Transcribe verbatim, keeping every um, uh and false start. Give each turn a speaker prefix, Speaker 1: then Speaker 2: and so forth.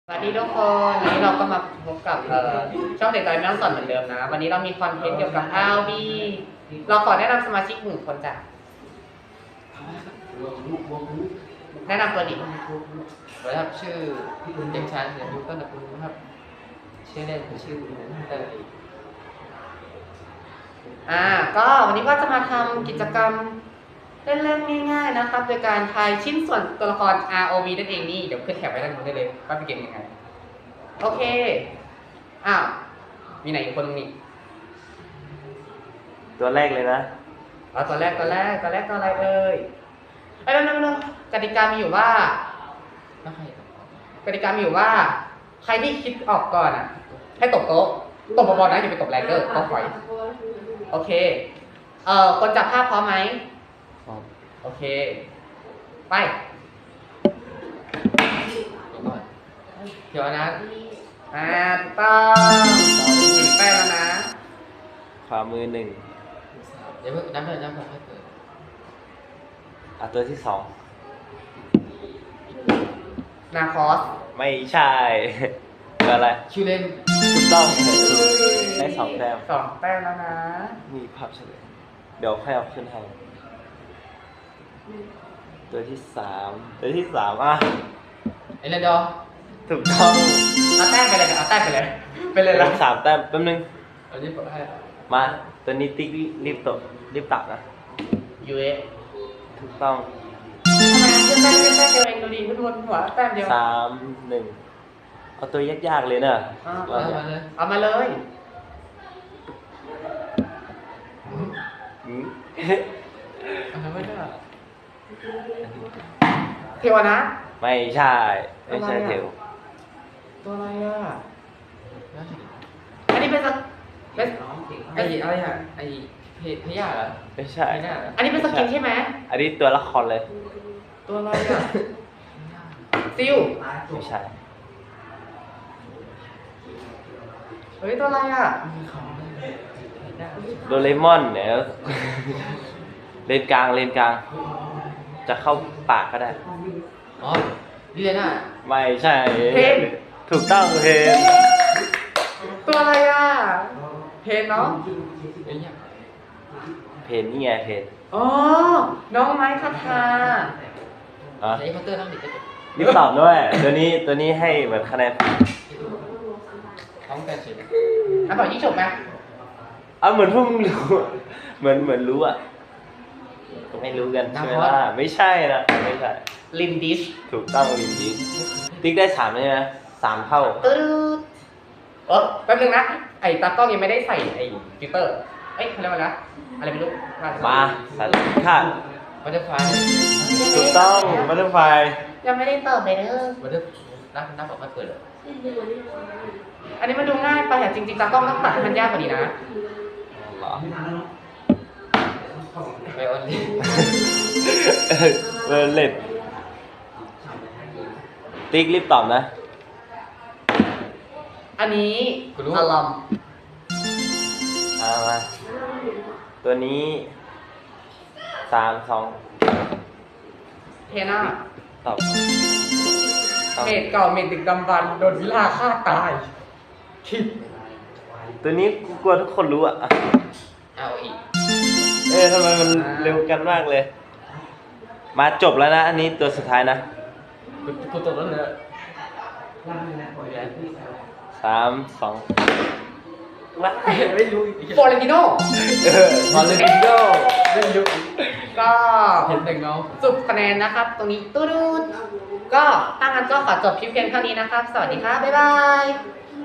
Speaker 1: สวัสดีทุกคนวันนี้เราก็มาพบกับเอ่อช่องเด็กน้อยไม่ต้องสอนเหมือนเดิมนะวันนี้เรามีคอนเทนต์เกี่ยวกับ อาร์ วี เราขอแนะนำสมาชิกหนึ่งคนจ้ะแนะนำตัวดิ
Speaker 2: สวัสดีครับชื่อเด็กชายเสียงยุต้นตระกูลนะครับชื่อเล่นชื่อเตย
Speaker 1: อ่าก็วันนี้ก็จะมาทำกิจกรรมเล่นๆง่ายๆนะครับโดยการทายชิ้นส่วนตัวละคร อาร์ โอ วี นั่นเองนี่เดี๋ยวขึ้นแถบไว้ด้านบนได้เลยว่าเป็นเกมยังไงโอเคอ้าวมีไหนอีกคนนึงนี่
Speaker 3: ตัวแรกเลยนะ
Speaker 1: เอาตัวแรกตัวแรกตัวแรกตัวอะไรเอ่ยไอ้ยนั่นนั่นกติกามีอยู่ว่า
Speaker 2: ไม่ใคร
Speaker 1: กติกามีอยู่ว่า ใครที่คิดออกก่อนอ่ะ ให้ตบโต๊ะตบบบอลนะอย่าไปตบแรงเกอร์ต้องปล่อยโอเคเอ่อคนจับภาพพร้อมไหมโอเคไป
Speaker 2: เดี๋ยวนะ
Speaker 1: อ่าถูกต้องถึงแป้งแล้วนะ
Speaker 3: ขวามือหนึ่ง
Speaker 2: เดี๋ยวเพิ่งน้ำเพิ่มน้ำเพิ่มให้เกิด
Speaker 3: อ่ะตัวที่สอง
Speaker 1: นาคอส
Speaker 3: ไม่ใช่ตัวอะไร
Speaker 2: ชื่อเล่น
Speaker 3: ถูกต้องได้สองแต้ม
Speaker 1: สองแป้งแล้วนะ
Speaker 3: มีภาพเฉลยเดี๋ยวค่อยเอาขึ้นให้ตัวที่สามตัวที่สามอ่ะ
Speaker 2: ไอ้เรนดอร์
Speaker 3: ถูกต้อง
Speaker 1: เอาแต้มไปเลยเอาแต้มไปเลยไปเลย
Speaker 3: ได้
Speaker 1: ละ
Speaker 3: สามแต้มแป๊บนึง
Speaker 2: อันนี้ผมให้
Speaker 3: มาตัวนี้ติ๊กรีบตบรีบตักนะ
Speaker 1: ยูเอ
Speaker 3: ถูกต้อง
Speaker 1: ทำไมขึ้นแต้มขึ้นแต้มเดียวเองดูดิขึ้นบนหัวแต้มเดียว
Speaker 3: สามหนึ่งเอาตัวยากๆเลยเนอะ
Speaker 1: อ่า
Speaker 2: เอามาเลย
Speaker 1: เอามาเลย
Speaker 3: อืม
Speaker 2: เอาทำไม่ได้
Speaker 1: เทวนะ
Speaker 3: ไม่ใช่ไม่ใช่เทว
Speaker 1: ตัวอะไรอ่ะ
Speaker 2: แล้วสิ
Speaker 1: อันนี้เป็นสกเป็น
Speaker 2: ไอ้อะไรอ่ะไอ้เพพยาเหรอ
Speaker 3: ไม่ใช่
Speaker 2: ไม่ได้เหรอ
Speaker 1: อันนี้เป็นสกินใช่ไหม
Speaker 3: อันนี้ตัวละครเลย
Speaker 1: ตัวอะไรอ่ะซิล
Speaker 3: ไม่ใช่
Speaker 1: เฮ้ยตัวอะไรอ่ะ
Speaker 2: มีของเลยได้
Speaker 3: โดเรมอนเนี่ย เลนกลางเลนกลาง จะเข้าปากก็ได้
Speaker 2: อ๋อนี่เลยนะ
Speaker 3: ไม่ใช่
Speaker 1: เพน
Speaker 3: ถูกต้องเพน
Speaker 1: ตัวอะไรอ่ะเพนเนาะ
Speaker 2: ไอ้เนี่ย
Speaker 3: เพนนี่ไงเพน
Speaker 1: อ๋อน้องไม้คาทา
Speaker 3: อ่ะ
Speaker 2: ไอ้เคาน์เตอร์นั่งดิบก็จบ
Speaker 3: รีบตอบด้วย ตัวนี้ตัวนี้ให้เหมือนคะแนน
Speaker 2: ท้องแปดสิบ
Speaker 1: อ่ะบอกยี่จบไหม
Speaker 3: เอาเหมือนพวกมึงรู้อะเหมือนเหมือนรู้อ่ะไม่รู้กันใช่ไหมล่ะไม่ใช่นะไม่ใช่
Speaker 1: ลินดิช
Speaker 3: ถูกต้องจริงๆติ๊กได้สามใช่ไหมสามเท่า
Speaker 1: ตึ๊ดเออแป๊บนึงนะไอ้ตากล้องยังไม่ได้ใส่ไอ้ฟิลเตอร์เอ้ยเขาเรียกว่าอะไรนะอะไรไม่รู้ว่
Speaker 3: มาสันค่ะ
Speaker 2: บัตเตอร์ไฟ
Speaker 3: ถูกต้องบัตเตอร์ไฟ
Speaker 1: ยังไม่ได้เติมเลยเด้อ
Speaker 2: บัตเตอร์นับนับบอกไม่เปิดเลย
Speaker 1: อันนี้มันดูง่ายไปอะจริงๆตากล้องต้องตัดให้มันยากกว่านี้นะ
Speaker 3: เหรอ
Speaker 2: ไปออนไลน์
Speaker 3: เวอร์เล็ตติ๊กรีบตอบนะ
Speaker 1: อันนี้อารม
Speaker 3: เอามาตัวนี้สามสอง
Speaker 1: เทน่า
Speaker 3: ตอบตอบ
Speaker 1: เมดเก่าเมดดึกดำบรรพ์โดนวิลาฆ่าตายคิด
Speaker 3: ตัวนี้กูกลัวทุกคนรู้อ่ะ
Speaker 2: เอาอีก
Speaker 3: เอ้ยทำไมมันเร็วกันมากเลย มาจบแล้วนะ อันนี้ตัวสุดท้ายนะ
Speaker 2: กูกูตกแล้วเลย
Speaker 3: สามสองว้า
Speaker 2: ไม่รู้อีก
Speaker 1: ฟอร์เรนติโน
Speaker 3: เออ
Speaker 2: มาเลยดิโก้ไม่รู้
Speaker 1: ก็
Speaker 2: เห็นแต่เงา
Speaker 1: สุดคะแนนนะครับ ตรงนี้ตู้ดูดก็ถ้างั้นก็ขอจบคลิปเพียงเท่านี้นะครับ สวัสดีครับ บ๊ายบาย